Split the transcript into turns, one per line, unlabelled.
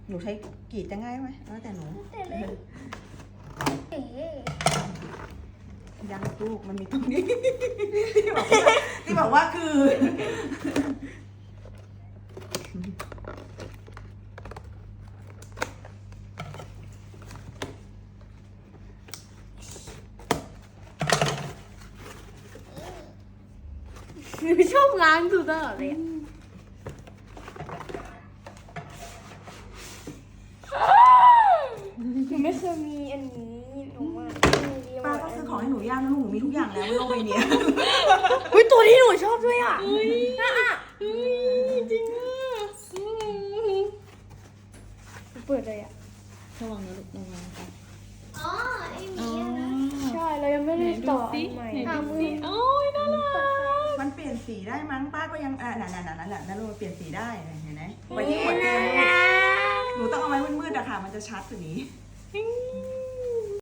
หนูใช้กรีดจะง่ายไหมแล้วแต่หนู
แต่เลยเอ๋
ยังลูกมันมีตรงนี้ ที่บอกว่าคือ
หนูชอบล้างดูตลอดเลยหนูไม่เคยมีอันนี้หนูว่า
ป้าก็ซื้อของให้หนูย่างนะลูกหนูมีทุกอย่างแล้วบนโลกใบนี้
อุ้ยตัวที่หนูชอบด้วยอ่ะจริงอ่ะเปิดเลยอ่ะ
ระวังนะลูกระวังค่ะ
อ๋อไอ้หมีอะนะ
ใช่เรายังไม่ได้ต่ออันใหม่
หามือ
โอ้ยน่ารัก
มันเปลี่ยนสีได้มั้งป้าก็ยังนั่นแหละนั่นลูกเปลี่ยนสีได้เห็นไหมไว้ที่หัวเตียงลูกหนูต้องเอาไว้มืดๆอะค่ะมันจะชัดกว่านี้